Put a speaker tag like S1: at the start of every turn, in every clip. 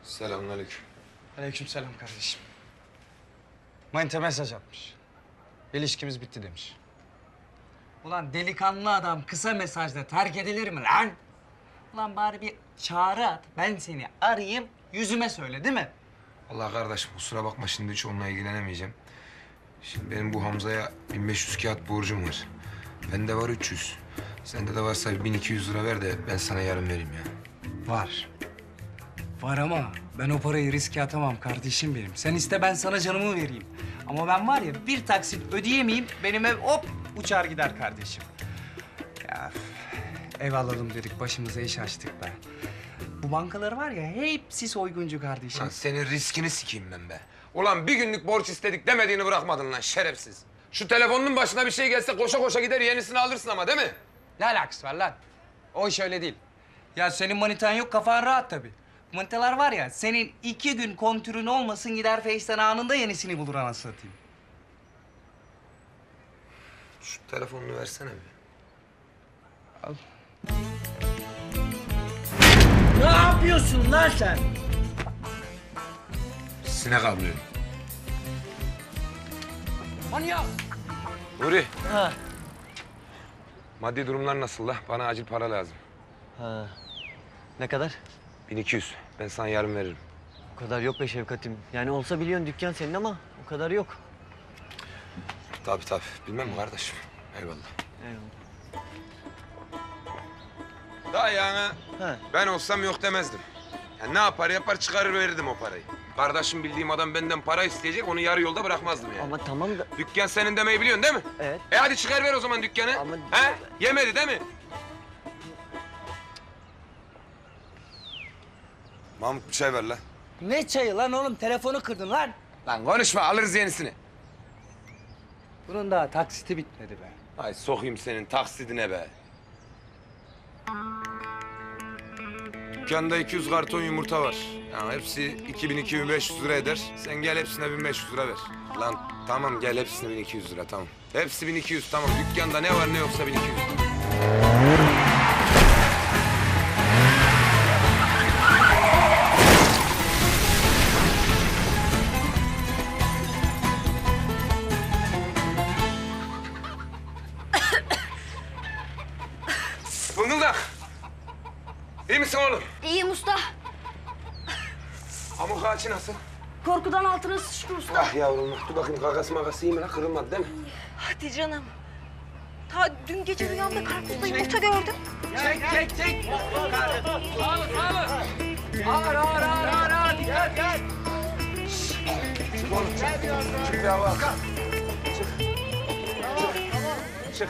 S1: Selamünaleyküm.
S2: Aleykümselam kardeşim. Manita mesaj atmış. İlişkimiz bitti demiş. Ulan delikanlı adam kısa mesajla terk edilir mi lan? Ulan bari bir çağrı at. Ben seni arayayım, yüzüme söyle değil mi?
S1: Allah kardeşim kusura bakma şimdi hiç onunla ilgilenemeyeceğim. Şimdi benim bu Hamza'ya 1500 kağıt borcum var. Bende var 300. Sende de varsa 1200 lira ver de ben sana yarın vereyim ya.
S2: Var. Var ama ben o parayı riske atamam kardeşim benim. Sen iste ben sana canımı vereyim. Ama ben var ya bir taksit ödeyemeyeyim benim ev hop uçar gider kardeşim. Ya ev alalım dedik başımıza iş açtık be. Bu bankalar var ya hepsi soyguncu kardeşim.
S1: Lan senin riskini sikeyim ben be. Ulan bir günlük borç istedik demediğini bırakmadın lan şerefsiz. Şu telefonun başına bir şey gelse koşa koşa gider yenisini alırsın ama değil mi?
S2: Ne alakası var lan? O iş öyle değil. Ya senin manitan yok kafan rahat tabii. Manitalar var ya senin 2 gün kontürün olmasın gider Face'ten anında yenisini bulur anasını satayım.
S1: Şu telefonunu versene bir.
S2: Al.
S3: Ne yapıyorsun lan sen?
S1: Sinek avlıyorum.
S2: Manyak!
S1: Nuri,
S3: Ha.
S1: maddi durumlar nasıl la? Bana acil para lazım.
S3: Ha. Ne kadar?
S1: 1200. Ben sana yarın veririm.
S3: O kadar yok be Şevkat'im. Yani olsa biliyorsun dükkan senin ama o kadar yok.
S1: Tabii tabii. Bilmem mi kardeşim? Eyvallah.
S3: Eyvallah.
S1: Daha yani
S3: Ha.
S1: ben olsam yok demezdim. Ya ne yapar yapar çıkarır verirdim o parayı. Kardeşim bildiğim adam benden para isteyecek onu yarı yolda bırakmazdım yani.
S3: Ama tamam da...
S1: Dükkan senin demeyi biliyorsun değil mi?
S3: Evet.
S1: Hadi çıkar ver o zaman dükkanı.
S3: Ama-
S1: He? Yemedi değil mi? Mahmut bir çay ver lan.
S2: Ne çayı lan oğlum? Telefonu kırdın lan.
S1: Lan konuşma alırız yenisini.
S2: Bunun daha taksiti bitmedi be.
S1: Ay sokayım senin taksidine be. Dükkanda 200 karton yumurta var. Yani hepsi 2000-2500 lira eder. Sen gel hepsine 1500 lira ver. Lan tamam gel hepsine 1200 lira tamam. Hepsi 1200 tamam. Dükkanda ne var ne yoksa 1200 lira. Fıngıldak. İyi misin oğlum?
S4: İyiyim usta.
S1: Amuk ağaçı nasıl?
S4: Korkudan altına sıçtı usta.
S1: Ah yavrum dur bakayım kakası makası iyi mi lan? Kırılmadı değil mi?
S4: Hadi canım. Ta dün gece rüyamda karpuzda yumurta gördüm.
S2: Çek. Ağır. Dikkat.
S1: Çık oğlum çık. Çık bir hava al. Çık.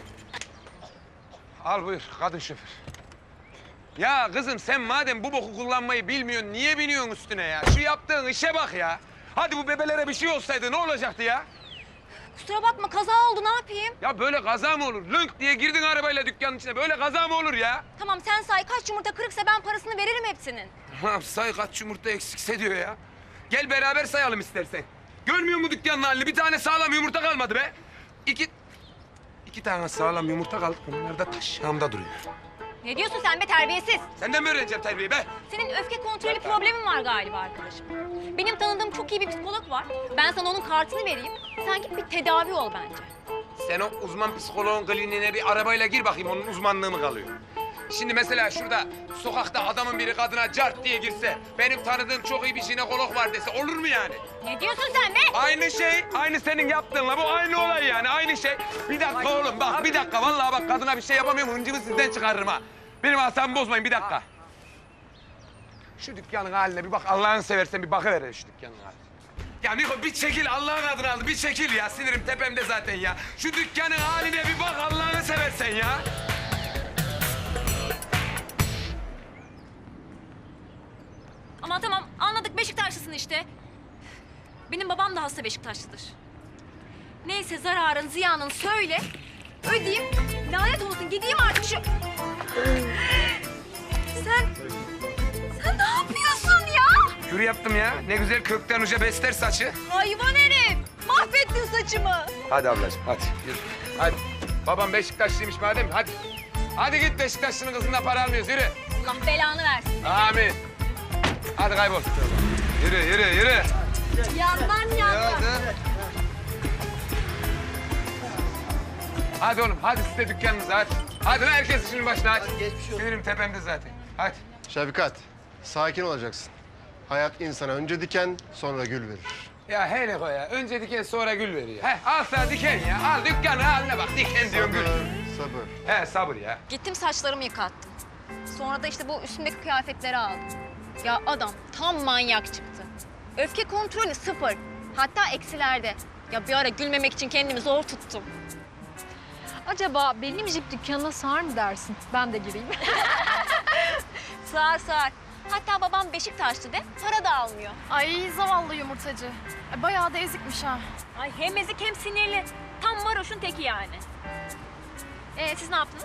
S1: Al buyur kadın şoför. Ya kızım sen madem bu boku kullanmayı bilmiyorsun niye biniyorsun üstüne ya? Şu yaptığın işe bak ya. Hadi bu bebelere bir şey olsaydı ne olacaktı ya?
S4: Kusura bakma kaza oldu ne yapayım?
S1: Ya böyle kaza mı olur? Lönk diye girdin arabayla dükkanın içine. Böyle kaza mı olur ya?
S4: Tamam sen say kaç yumurta kırıksa ben parasını veririm hepsinin.
S1: Ha, say kaç yumurta eksikse diyor ya. Gel beraber sayalım istersen. Görmüyor musun dükkanın halini? Bir tane sağlam yumurta kalmadı be. İki tane sağlam yumurta kaldı. Onlar da taşağımda duruyor.
S4: Ne diyorsun sen be terbiyesiz?
S1: Senden mi öğreneceğim terbiyeyi be?
S4: Senin öfke kontrolü problemin var galiba arkadaşım. Benim tanıdığım çok iyi bir psikolog var. Ben sana onun kartını vereyim. Sen git bir tedavi ol bence.
S1: Sen o uzman psikoloğun kliniğine bir arabayla gir bakayım. Onun uzmanlığı mı kalıyor? Şimdi mesela şurada sokakta adamın biri kadına cart diye girse... ...benim tanıdığım çok iyi bir jinekolog var dese olur mu yani?
S4: Ne diyorsun sen be?
S1: Aynı şey, aynı senin yaptığınla bu aynı olay yani, aynı şey. Bir dakika oğlum bak, bir dakika. Vallahi bak kadına bir şey yapamıyorum, hıncımı sizden çıkarırım ha. Benim asabımı bozmayın, bir dakika. Şu dükkanın haline bir bak, Allah'ını seversen bir bakıver şu dükkanın haline. Ya Niko bir çekil, Allah'ın adını aldı, bir çekil ya. Sinirim tepemde zaten ya. Şu dükkanın haline bir bak, Allah'ını seversen ya.
S4: Ama tamam anladık Beşiktaşlısın işte. Benim babam da hasta Beşiktaşlıdır. Neyse zararın ziyanın söyle. Ödeyeyim. Lanet olsun gideyim artık şu... Sen ne yapıyorsun ya?
S1: Kür yaptım ya. Ne güzel kökten uca besler saçı.
S4: Hayvan herif. Mahvettin saçımı.
S1: Hadi ablacığım, hadi yürü. Hadi. Babam Beşiktaşlıymış madem, hadi. Hadi git Beşiktaşlı'nın kızından para almıyoruz, yürü.
S4: Allah belanı versin.
S1: Amin. Hadi. hadi kaybol. Yürü, yürü, yürü.
S4: Yandan yandan.
S1: Hadi oğlum, hadi siz de dükkanınıza hadi. Hadi lan herkes işinin başına hadi. Sinirim tepemde zaten. Hadi.
S5: Şefkat, sakin olacaksın. Hayat insana önce diken, sonra gül verir.
S1: Ya hele koy ya. Önce diken sonra gül veriyor. He al sana diken ya. Al dükkanı haline bak. Diken diyor gül.
S5: Sabır.
S1: He sabır ya.
S4: Gittim saçlarımı yıkattım. Sonra da işte bu üstümdeki kıyafetleri aldım. Ya adam tam manyak çıktı. Öfke kontrolü sıfır. Hatta eksilerde. Ya bir ara gülmemek için kendimi zor tuttum.
S6: Acaba benim jip dükkanına sığar mı dersin? Ben de gireyim.
S4: Sığar sığar. Hatta babam Beşiktaşlı de para da almıyor.
S6: Ay zavallı yumurtacı. Bayağı da ezikmiş ha.
S4: Ay hem ezik hem sinirli. Tam varoşun teki yani. Siz ne yaptınız?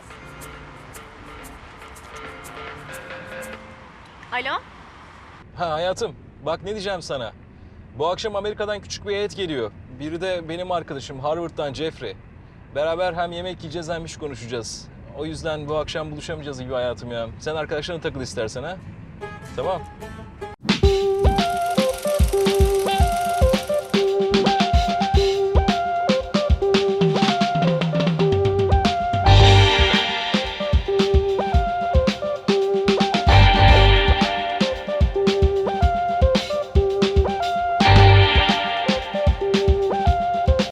S4: Alo?
S7: Ha hayatım, bak ne diyeceğim sana. Bu akşam Amerika'dan küçük bir heyet geliyor. Biri de benim arkadaşım Harvard'dan Jeffrey. Beraber hem yemek yiyeceğiz hem iş konuşacağız. O yüzden bu akşam buluşamayacağız gibi hayatım ya. Sen arkadaşlarına takıl istersen ha. Tamam.